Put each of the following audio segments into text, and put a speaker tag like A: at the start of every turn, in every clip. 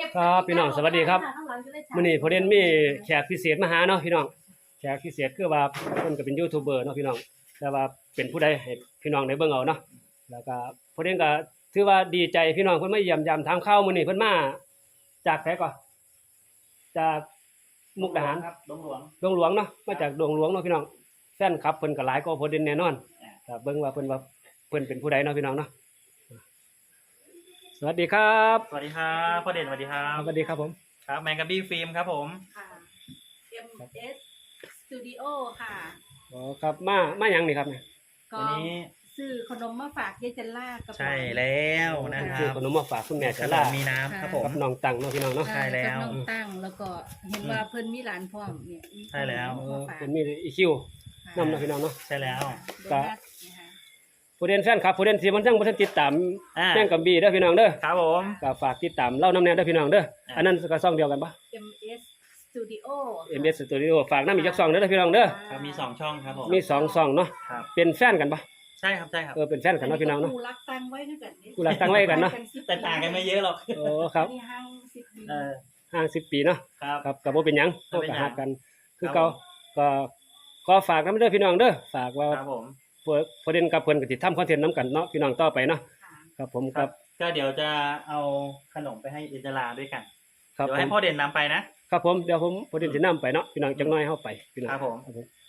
A: ครับพี่น้องสวัสดีครับมื้อนี้พอเด่นมีแขกพิเศษมาหาเนาะพี่น้องแขกพิเศษคือว่าเพิ่นก็เป็นยูทูบเบอร์เนาะพี่น้องแต่ว่าเป็นผู้ใดให้พี่น้องได้เบิ่งเอาเนาะแล้วก็พอเด่นก็ถือว่าดีใจพี่น้องเพิ่นมาเยี่ยมยามถามข่าวมื้อนี้เพิ่นมาจากไสก่อนจากมุกดาหาร
B: ครับดงหลวง
A: ดงหลวงเนาะมาจากดงหลวงเนาะพี่น้องแฟนคลับเพิ่นก็หลายกว่าพอเด่นแน่นอนก็เบิ่งว่าเพิ่นเป็นผู้ใดเนาะพี่น้องเนาะสวัสดีครับ
B: สวัสดีครับพ่อเด่นสวัสดีครับ
A: สวัสดีครับผม
B: ครับแมงกะบี้ฟิล์มครับผม
C: ค่ะ MS Studio ค่ะ
A: อ๋อครับมาหยังนี่ครับเนี่ย
C: ก็
B: วันนี้
C: ซื้อขนมมาฝากยายจันล่ากับ
B: ใช่แล้วนะครับ
A: คือขนมมาฝากคุณแม่
B: ข
A: ชะ
B: น
A: ลาม
B: มีน้ำครับผม
A: กับน้องตังเนาะพี่น้องเนาะ
B: ใช่แล้ว
C: กับน้องตั้งแล้วก็เห็นว่าเพิ่นมีหลานพร้อมเนี่ย
B: ใช่แล้ว
C: มาฝาก
A: เป็นมีอีคิวนำเนาะพี่น้องเนาะ
B: ใช่แล้ว
C: โดนัทนะคะ
A: ผู้เรียนแฟนครับผู้เรียนที่มันจังบ่ทันติดตาม
B: อ่า
A: แม่งกับบีเด้อพี่น้องเด้อ
B: ครับผม
A: ก็ฝากติดตามเล่านำแน่เด้อพี่น้องเด้ออันนั้นก็ช่องเดียวกันปะ
C: MS Studio
A: MS Studio ฝากนำอีกจักช่องเด้อพี่น้องเด้อ
B: ครับมี2ช่องครับผม
A: มี2ช่องเนาะ
B: ครับ
A: เป็นแฟนกันปะ
B: ใช่ครับใช่ครับ
A: เป็นแฟนกันเนาะพี่น้องเนาะ
C: กูรักตั้งไว้ด้วยกัน
A: กูรักตั้งไว้กันเนาะ
B: แต่ต่างกันไม่เยอะหรอก
A: โอ้ครับ
C: นี่ห้าง10 ปี
B: เออ
A: ห่าง10 ปีเนาะ
B: ครับ
A: ครับก็บ่เป็นหยัง
B: บ่
A: เฮา
B: เป็น
A: ก็
B: หยัง
A: ฮักกัน คือ
B: ครั
A: เก่า
B: บผม
A: ก็ฝากนำเด้อพี่น้องเด้อฝากว่า
B: ครับผม
A: ผู้เรียนกับเพิ่นก็สิทำคอนเทนต์นํกันเนาะพี่น้องต่อไปเนาะ
C: ค่ะ
A: ครับผม
B: ค
A: ค
B: รั
A: รั
B: บบ ก็เดี๋ยวจะเอาขนมไปให้อินทราด้วยกัน
A: ครับ
B: เดี๋ยว
A: ผ
B: ให้
A: ม
B: พ่อเด่นนำไปนะครับ
A: ผมเดี๋ยวผมผู้เรียนสินํไปเนาะพี่น้องจักหน่อยเฮาไปพี่น้อง
B: ครับผม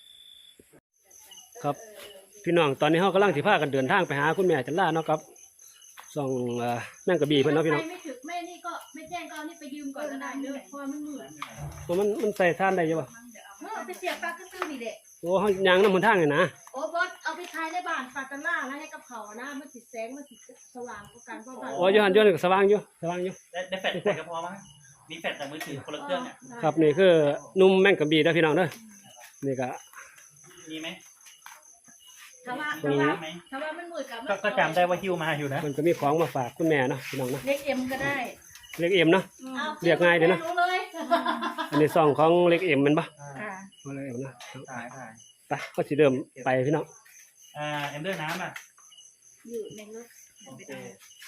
A: ครับพี่น้องตอนนี้เฮากำลังสิพากันเดินทางไปหาคุณแม่จันลาเนาะครับส่องนั่งกระบี่เพิ่นเนาะพี่น้อง
C: ใครไม่ถึงแม่นี่ก็ไม่แจ้งก็เอานี่ไปยืมก่อนก็ได้เลยเพราะว่ามันมืด
A: มันใส่ท่านได้อยู่บ่
C: ไปเสียบปลาซื่อๆนี่แหละ
A: โอ้เฮายางนำหนทางนี่นะ
C: โอ้บอสเอาไปขายในบ้านปาตาล่าแล้วให้กับเขานะมันสิแสงมันสิสว่างกว่ากันเพราะว่า
A: โอ้อยู่หั่นอยู่นี่ก็สว่างอยู่สว่างอยู่
B: ได้แฟลชใส่ก็พอมั้งมีแฟลชแต่มือถือคนละเครื่องเนี่ย
A: ครับนี่คือหนุ่มแม่งกระบี่เด้อพี่น้องเด้อนี่ก็
B: มีไหม
C: ถ้าว่า
A: ตรงนี้
B: ไหม
C: ถ้าว่ามันมืดกับ
B: ก็จำได้ว่าฮิวมาอยู่นะ
A: เพิ่นก็มีของมาฝากคุณแม่เนาะพี่น้องเนาะ
C: เล็กเอ็มก็ได้
A: เล็กเอ็มเนาะ
C: อา
A: เรียกง่ายดีนะ
C: รู้เลย
A: อันนี้ซองของเล็กเอ็มแม่นบ่
C: ค่ะ
A: เอาเล็กเอ็มเนาะ
B: ถ่ายถ่าย
A: ไปก็สิเริ่มไปพี่น้อง
B: เอ็มเดอร์น้ำอ่ะ
C: อยู่ในรถ
B: โอเค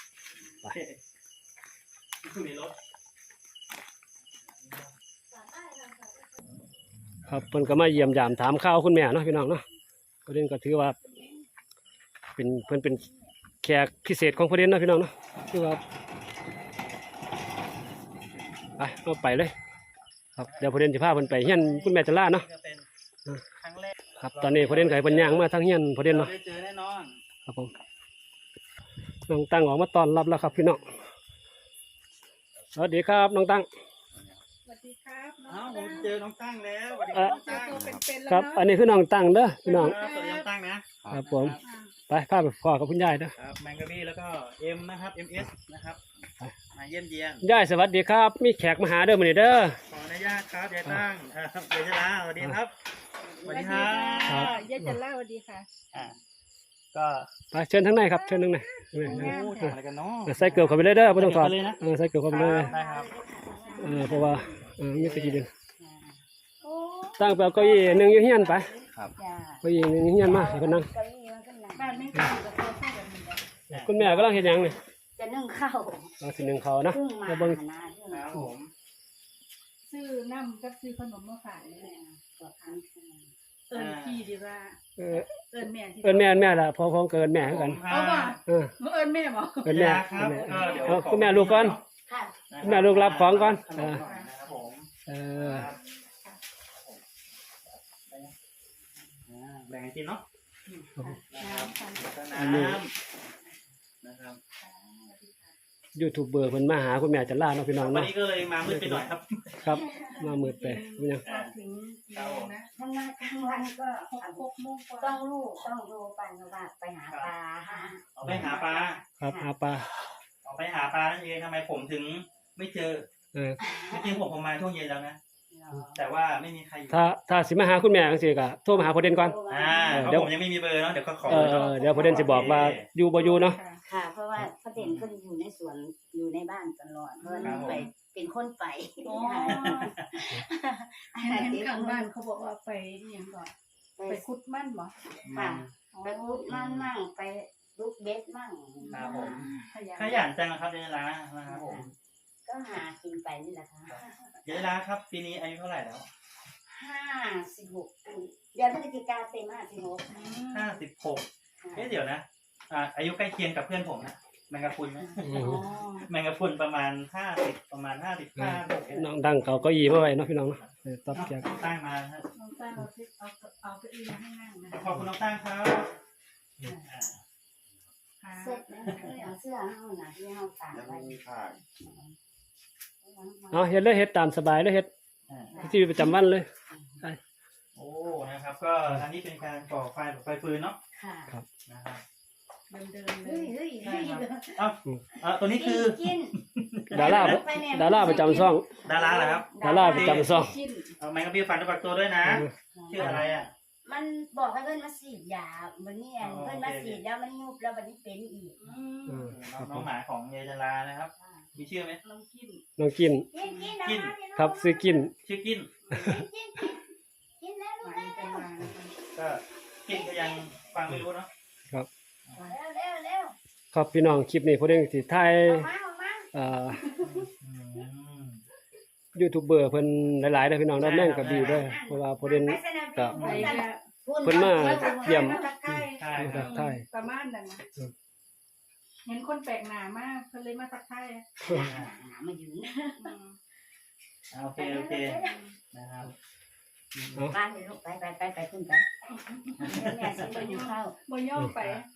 B: อยู่ในรถ
A: ครับเพิ่นก็มาเยี่ยมยามถามข่าวคุณแม่เนาะพี่น้องเนาะประเด็นก็ถือว่าเป็นเพิ่นเป็นแขกพิเศษของประเด็นเนาะพี่น้องเนาะคือว่าไปเอาไปเลยครับเดี๋ยวประเด็นสิพาเพิ่นไปเฮียนคุณแม่จันลาเนาะ
B: ก็เป็นครั้งแรก
A: ครับตอนนี้ประเด็นก็ให้เพิ่นย่างมาทางเฮียนประเด็น
B: เรา
A: เนาะ
B: ได้เจอแน่นอน
A: ครับผมน้องตั้งออกมาต้อนรับแล้วครับพี่น้องสวัสดีครับน้องตั้ง
C: สวัสดีครับน้
B: อ้า
C: อ
B: ว
C: ง
B: ผมเจอน้องตั้งแล้วสวัสดี
C: เจ
B: ครับน้อง
C: อ
B: ตั้ง
C: ตัวเป็นๆแล้ว
A: ครับ
C: เนาะ
A: อันนี้คือน้องตั้งเด้อพี่น้อง
B: สวัสดีน้องตั้งนะครับ
A: ผมไปพาไปพ่อกับคุณยายเด้อ
B: ครับแมงกะบี้แล้วก็เอ็มนะครับ MS นะครับมาเยี่ยมเยียน
A: ยายสวัสดีครับมีแขกมาหาเด้อมื้อนี้เด้อ
B: ขออนุญาตครับยายตั้งยายชลาสวัสดีครับสวัสดีครั
C: ค่ะ
B: บ
C: ยายจันล่าสวัสดีค่ะ
B: อ่าก็
A: ไปเชิญทางในครับเชิญทางใน
B: โอ้ถ่ายอะไรกันเนาะ
A: ใส่เกลือเข้าไปเลยเด้อไม่ต้องถอด
B: ใส่เกลือเลยนะ
A: ใส่เกลือเข้าไปเลย
B: ได้ครับ
A: เพราะว่ามีตะกี้เดึง
C: โอ้
A: ตั้งไปเอาเก้าอี้หนึ่งอยู่เฮียนไป
B: ครับ
A: เก้าอี้หนึ่งอยู่เฮียนมาให้เพิ่นนั่ง
C: บ้านไม่มีกับตัวใส่แบบนี้
A: คุณแม่กำลังเฮ็ดหยังนี่
D: จะนึ่งข้าว
A: เอาสิหนึ่งเขาวนะ
D: เพิ่งมา
A: แล้วเบิ่ง
D: นะเพิ่ง
B: ค
D: มา
B: รับผม
C: ซื้อน้ำกับซื้อขนมมาฝากนี่แหละ
D: ตัวคัน
C: เอิญพี่ดีว่า
A: เออ
C: เอิญแม่ที่
A: เอิ้นแม่ล่ะพอเกินแม่คือกัน
C: เอาบ่
A: เออ
C: เอิญแม่บ่
A: เอิ้นแม่
B: ครับก็เดี๋ยว
A: เอาคุณแม่ลูกก่อน
D: ค่ะ
A: คุณแม่ลูกรับของก่อน
B: ขนมก่อนนะครับผม
A: เออ
B: แบ่งกันกินเนาะนะครับ
A: อันนี้
B: น้ำนะครับ
A: ยูทูบเบอร์เพิ่นมาหาคุณแม่จันลาเนาะพี่น้อง
B: วัน
A: เนาะ
B: นี้ก็เลยมามืดไปหน่อยครับ
A: ครับมามืดไปเป็นหยัง
C: มาถึงกี่โมงนะ
D: ถ้ามากลางวันก็
C: 6 โมงกว่า
D: ต้องลูกต้องดูไปว่าไปหาปลาหา
B: เอาไปหาปลา
A: ครับหาปลา
B: เอาไปหาปลานั่นเองทำไมผมถึงไม่เจอ
A: เออ
B: จริงๆผมมาช่วงเย็นแล้วนะ แต่ว่าไม่มีใครอยู่
A: ถ้าสิมาหาคุณแม่จังซี่ก็โทรมาหาประเด็นก่อน
B: เพราะผมยังไม่มีเบอร์เนาะเดี๋ยวก็ขอ
A: เดี๋ยวประเด็นสิบอกว่าอยู่บ่อยู่เนาะ
D: ค่ะ เพราะว่าพระเด่นก็อยู่ในสวนอยู่ในบ้านตลอดเพราะว่าน้องไปเป็นคนไป
C: อ๋อเห็นข้างบ้านเขาบอกว่าไปอหยังก่อนไปขุดมันบ่
D: ค่ะไปพุดมั่นมั่งไปลูกเบ็ดมั่ง
B: ครับผม
C: ขยัน
B: ขยันจังครับเดนลานะครับผม
D: ก็หากินไปนี่แหละค่ะ
B: เดี๋ยวนะครับปีนี้อายุเท่าไหร่แล้ว
D: 56เดือนพฤศจิกาเต็ม56
B: 56เดี๋ยวนะอายุใกล้เคียงกับเพื่อนผมนะแมงกะพรุนนะ
A: อืม
B: แมงกะพรุนประมาณ50ประมาณ55
A: น้องดังเขาเก็ยีมาไว้เนาะพี่น้องเนาะตอบแขก
B: ตั้งมาฮะ
C: น้องตั้งเอาเก้าอี้มาให้นั่งนะ
B: ขอบคุณน้องตั้งครับ
D: เสร็จแล้วเอาเสื้อเฮาน่ะที่เฮาตากไว้
A: เอาเฮ็ดเลยเฮ็ดตามสบายเลยเฮ็ด
B: อ่า
A: ที่ประจำวันเลย
B: โอ้นะครับก็อันนี้เป็นการก่อไฟแบบไฟฟืนเนาะ
D: ค่ะ
B: นะครับ
C: เดินเล
D: เฮ้
C: ย
D: ยเฮ้ย
B: ใช่
D: เฮ้ย
B: ครับตัวนี้คือ
D: กิน
A: ดาราดาราประจำช่อง
B: ดาราเหรอครับ
A: ดาราประจำช่อง
D: กิน
B: เอาแมงกะพรุนฝันตัวตัวด้วยนะชื่ออะไรอ่ะ
D: มันบอกให้เพิ่นมาฉีดยาวันนี้เพิ่นมาฉีดแล้วมันยุบแล้ววันนี้เป็นอีก
B: น้องหมาของเยายดารานะครับมีชื่อไหม
C: น้องกิน
A: น้องกิน
D: กิน
A: ครับซื้อกิน
B: ชื่อกิน
D: กินแล้วลูกแล้ว
B: ก็กินก็ยังฟังไม่รู้เนาะ
D: เร็ว
A: ครับพี่น้องคลิปนี้พอดีสิถ่าย
D: ออกมา
A: ยูทูบเบอร์เพิ่นหลายๆเด้อพี่น้องด้านนั่นก็ดีเด้อเพราะว่าพอดีก็
C: ไปเนี่ย
A: เพิ่นมาเยี่ยม
B: ใช่ค
A: ทั
B: รับ
A: กทาย
C: ประมาณนั้นนะเห็นคนแปลกหน้ามากเพิ่นเลยมาทักทาย
D: มาอยู่นี่
B: โอเคนะครับ
D: บ้านเลยลูกไปขึ้นไปแม่สิไปอยู่เข้า
C: บ่ย่อมไป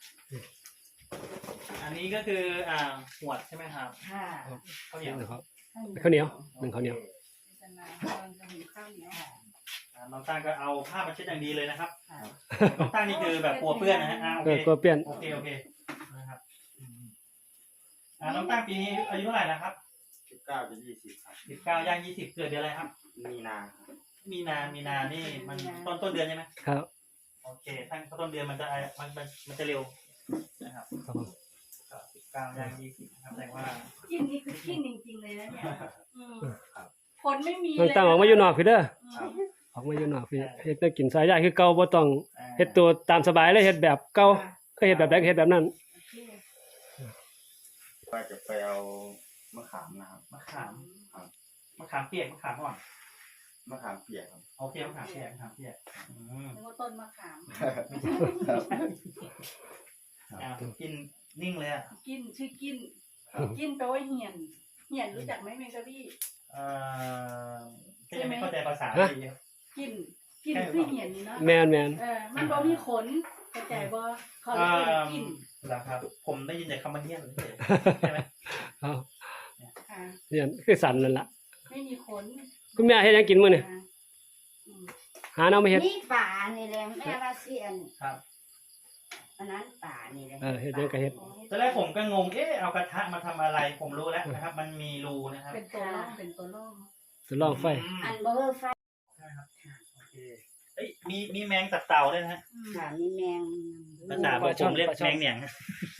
B: อันนี้ก็คือหวดใช่ไหมครับ
D: ค่ะ
B: ข้าวเหนียว
A: นะครับข้าวเหนียวหนึ่งข้าวเหนียว
C: ศาสนาตอนจะเห็นข้าวเหนียว
B: น้องตั้งก็เอาผ้ามาเช็ดอย่างดีเลยนะครับน้องตั้งนี่คือแบบกลัวเพื่อนนะฮะโอ
A: เอ
B: เค
A: อก็เปลี่ยน
B: โอเคนะครับน้องตั้งปีนี้อายุเท่าไหร่นะครับ
E: 19เป็น20ครับ
B: 19ย่าง20เกิดเดือนอะไรครับ
E: มีนาครับ
B: มีนานี่มันต้นเดือนใช่ไหม
A: ครับ
B: โอเคตั้งต้นเดือนมันจะเร็วนะครับ
A: ครับผม
B: 19ย่าง20นะครับแสดงว่า
C: กินนี่คือกินจริงๆเลยนะเนี่ยคนไม่มี
A: น้อง
C: เลย
A: ตั้งออกมาอยู่นอกพี่เด้อ
B: ครับ
A: ออกมาอยู่นอกพี่เฮ็ดได้กินสายใหญ่คือเก่าบ่ต้องเฮ็ดตัวตามสบายเลยเฮ็ดแบบเก่าก็เฮ็ดแบบใดก็เฮ็ดแบบนั้น
E: ว่าจะไปเอามะขามนะครับ
B: มะขามเปียกมะขามอ่อน
E: มะขามเปียกครับ
B: โอเคมะขามเปียก
C: นึกว่าต้นมะขาม
B: กินนิ่งเลยอ่ะ
C: กินชื่อกินกินแปลว่าเหียนเหียนรู้จักไหมแมงกะบี้
B: ก็ยังไม่เข้าใจภาษาดี
C: กินคือเหียนนี่เนาะ
A: แม่น
C: มันบ่มีขนเข้าใจบ่เขาเลยเรียกกิน
B: เหรอครับผมได้ยินแต่คำว่าเหี้ยนใช่ไหม
A: ๆเอา
C: อ่า
A: เนี่ยคือสันนั่นล่ะ
C: ไม่มีขน
A: คุณแม่เฮ็ดหยังกินมื้อนี่
C: อืม
A: หาแนวมาเฮ็ด
D: นี่ป่านี่แหละแม่ว่าเสียน
B: ครับ
D: อันนั้นป่านี่แหละ
A: เฮ็ดหยังก็เฮ็ด
B: ตอนแรกผมก็งงเอากระทะมาทำอะไรผมรู้แล้วนะครับ มันมีรูนะครับ
C: เป็นตัวล่องเป็นตัวล่อง
A: ทดลองไฟ
D: อันเบอร์ไฟ
B: โอเคเอ้ยมีแมงตับเต่าด้วยนะฮะ
D: ค่ะมีแมง
B: ภาษาผมเรียกแมงเหนียง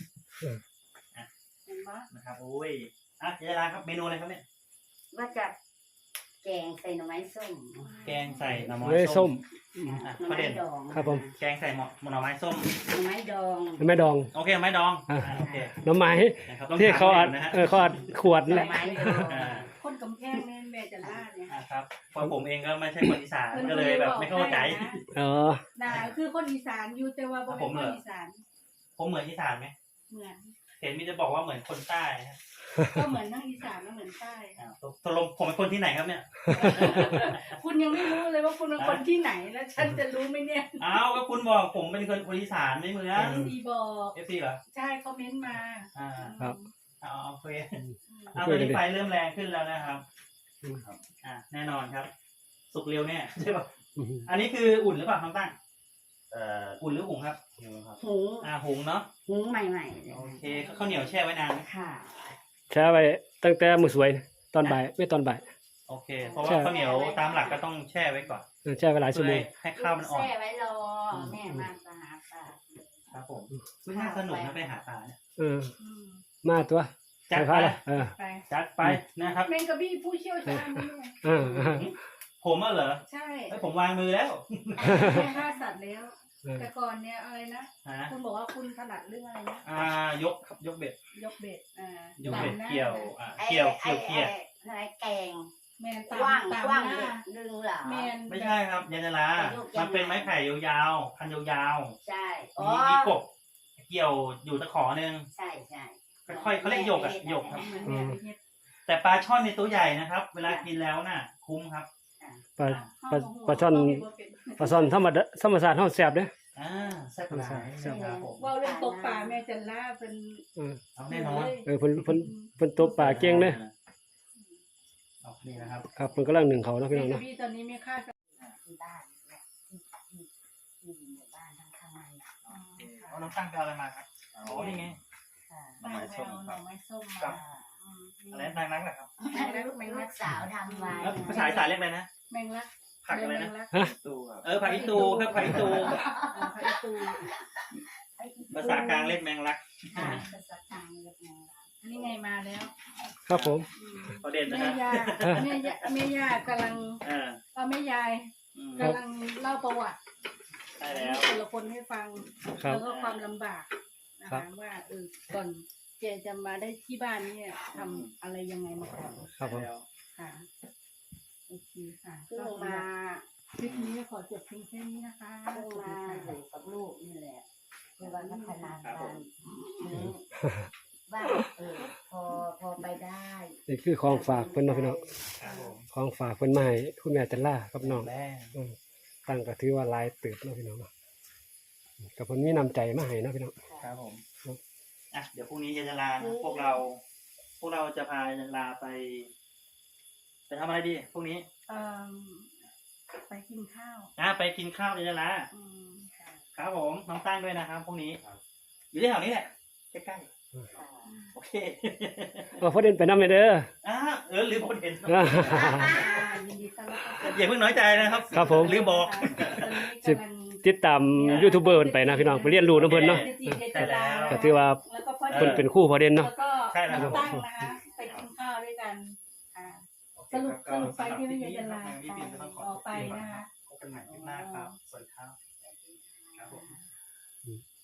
C: เห็นปะ
B: นะครับโอ้ยเจราครับเมนูอะไรครับเนี่ย
D: ว่าจะแกงใส่หน่อไม้ส้ม
B: แกงใส่หน่อ
A: เว้ย
B: ไม้
A: ส้
B: ส้
A: ม
B: ม
D: หน่อ
B: ประ
D: ไม้
B: เด็น
D: ดอง
A: ครับผม
B: แกงใส่หน่อไม้ส้ม
D: หน่อไม้ดอง
A: แม่ดอง
B: โอเคหน่อไม้ดองโอเค
A: หน่อไม้
B: นะครับต้อง
A: ที่เขาอั
B: ถา
A: ด
B: มนะฮะ
A: เขาอัดขวด
D: หน่
A: แห
D: อ
A: ละ
D: ไม้ดอง
B: อ่า
C: คนกำแพงแม่จะล่าเนี่ย
B: ครับเพราะผมเองก็ไม่ใช่คนอีสานก็เลยแบบไม่เข้าใจ
A: อ๋อ
C: น่าคือคนอีสานอยู่แต่ว่าบ่เป็นคนอีสาน
B: ผมเหมือนอีสานไหม
C: เหมือน
B: เห็นมีจะบอกว่าเหมือนคนใต้ฮะ
C: ก็เหมือนทั้งอีสานและเหมือนใต้
B: ตกลงผมเป็นคนที่ไหนครับเนี่ย
C: คุณยังไม่รู้เลยว่าคุณเป็นคนที่ไหนแล้วฉันจะรู้ไหมเนี่ย
B: อ้าวก็คุณบอกผมเป็นคนอีสานไม่เหมือน
C: ซีบอก
B: เอฟซีเหรอ
C: ใช่เขาเม้นต์มา
A: ครับ
B: โอเคตอนนี้ไฟเริ่มแรงขึ้นแล้วนะครับแน่นอนครับ สุกเร็วแน่ใช่ป่ะอันนี้คืออุ่นหรือเปล่าน้องตั้งอุ่นหรือหุงครับ
E: ครับ
D: หุง
B: หุงเนาะ
D: หุงใหม่ๆเลย
B: โอเคข้าวเหนียวแช่ไว้นานไหม
D: ค่ะ
A: แช่ไว้ตั้งแต่มื้อสวยตอนบ่ายไม่ตอนบ่าย
B: โอเค เพราะว่าข้าวเหนียวตามหลักก็ต้องแช่ไว้ก่อน
A: แช่ไว้หลายชั่วโมง
B: ให้ข้าวมันอ่อน
D: แช่ไว้รอแม่มาจะหาปลา
B: ครับผมไม่น่าสนุกนะไปหาปลาเนี่ย
A: มาตัว
B: จัด
A: ไฟ
B: ไป
A: ฟ้าละ
C: ไป
B: จัดไปนะครับ
C: แมงกะบี้ผู้เชี่ยวชาญนี่ไง
B: ผมอ่ะเหรอ
C: ใช่
B: ผมวางมือแล้ว
C: แม่ฆ่าสัตว์แล้ว แต่ก่อนเนี่ยอะไรนะ
B: ฮะ
C: คุณบอกว่าคุณถนัดเรื่องอะไรนะ
B: ยกครับยกเบ็ด
C: ยกเบ็ด
B: ยกเบ็ด
C: ดำนะ
B: เกี่ยว
D: ไอ้
B: เกี่ยว
D: ไอ้
B: เกี่ยว
D: ไอ้อะไรแกง
C: แม่น
D: กว้าง
C: ตาม
D: กว้าง
C: หน้า
D: ดึงเหรอ
C: แม่น
B: ไม่ใช่ครับยาจารามันเป็นไม้ไผ่ยาวๆพันยาว
D: ใช่
B: ๆ
D: อ๋อ
B: มีกบเกี่ยวอยู่ตะขอหนึ่ง
D: ใช่ใช่
B: ค่อยๆเขาเรียกหยกอะหยกครับ
C: เหมือนแม่ไปเฮ็ด
B: แต่ปลาช่อนในตัวใหญ่นะครับ เวลากินแล้วน่ะ คุ้มครับ
A: ปลาปลาช่อนปลาช่อนธรรมชาติเฮาแซ่บเด้อ
B: แซ่บหลายครับผม
C: เว่าเรื่องตกปลาแม่จันล่าเป็น
A: เออ
B: เอาแน่นอน
A: เพิ่นตบปลาเก่งเด้อ
B: เอานี่นะครับ
A: ครับเพิ่นกำลังนึ่งเขาเนาะพี่น้องเนาะ
C: พี่ตอนนี้มีค่ากับ
D: ที่บ้านเนี่ยที่หมู่บ้านข้างๆในอ่ะ
B: เอาน้ำตั้งไปเอาอะไรมาครับอ๋อนี่ไง
D: ค่ะ
E: หน่อไม้ส้ม
C: ห
E: ค
C: น่
E: รั
C: อบ ไม้ส้ม
B: ครั
C: มา
B: บ อะไรนางนักเหรอครับ
D: ลูกสาวทำไว้
B: แล้วภาษาอีสานเรียกอะไรนะ
C: แมงลัก
B: ผักอะไรนะ
C: แมงลัก
E: ตู้ครับ
B: ผักอีตูครับผักอีตู
C: ผักอีตู
B: ภาษากลางเรียกแมงลัก
D: ค่ะภาษากลางเรียกแมงลัก
C: อันนี้ไงมาแล้ว
A: ครับผม
B: ประเด็นนะ
C: แม่
B: ฮะ
C: แม่ย่ากำลัง
B: เออ
C: แม่ยาย
B: อืม
C: กำลังเล่าประวัติ
B: ใช่แล้ว
C: แต่ละคนให้ฟัง
A: ครับ
C: แล้วก็ความลำบากนะ
A: ครั
C: คะ
A: บ
C: ว่าก่อนแกจะมาได้ที่บ้านเนี่ยทำอะไรยังไงมาก่อน
A: ครับผม
C: ค่ะโอเคค่ะ
D: เพิ่งมา
C: คลิปนี้ขอจบเพียงแค่นี้นะคะ
D: เพิ่งมาอยู่กับลูกนี่แหละเพื่อว่าพัฒนาการนี้ว่าพอไปได้
A: นี่คือของฝากเพิ่นเนาะพี่น้อง
B: ครับผม
A: ของฝากเพิ่นมาให้คุณแม่จันล่ากับน้อง
B: แม่
A: ตั้งก็ถือว่าหลายเติบเนาะพี่น้องเนาะก็เพิ่นมีน้ำใจมาให้เนาะพี่น้อง
B: ครับผม
A: ครับ
B: อ่ะเดี๋ยวพรุ่งนี้ยายจะลานะพวกเราจะพายายจะลาไปทำอะไรดีพรุ่งนี้
C: เอิ่มไปกินข้าว
B: ไปกินข้าวยายจะลา
C: อืมค่ะ
B: ครับผมน้องตั้งด้วยนะครับพรุ่งนี้อยู่ที่แถวนี้แหละใกล้ๆโอเค
A: พอเด่นไปนำเด้อ
B: ลืมคนเห็น
C: ยินดีต้อนรับเข้า
B: อย่าเพิ่งน้อยใจนะครับ
A: ครับผม
B: ลืมบอก
C: ตอนนี้กำลัง
A: ติดตามยูทูบเบอร์เพิ่นไปนะพี่น้องไปเรียนรู้นำเพิ่นเนาะ
B: ใช่แล้ว
A: ก็ถือว่า
C: แล้วก็พ่อ
A: เพิ่นเป็นครู่พอเด่น
C: แล้
A: เนาะ
C: วก็
B: ใช่แล้วครับ
C: ตั้งนะคะไปกินข้าวด้วยกันสรุปไปที่ไม่ยายจะลาออกไปนะคะ
B: พบกันใหม่คลิปหน้าครับสวัสดีครับครับผม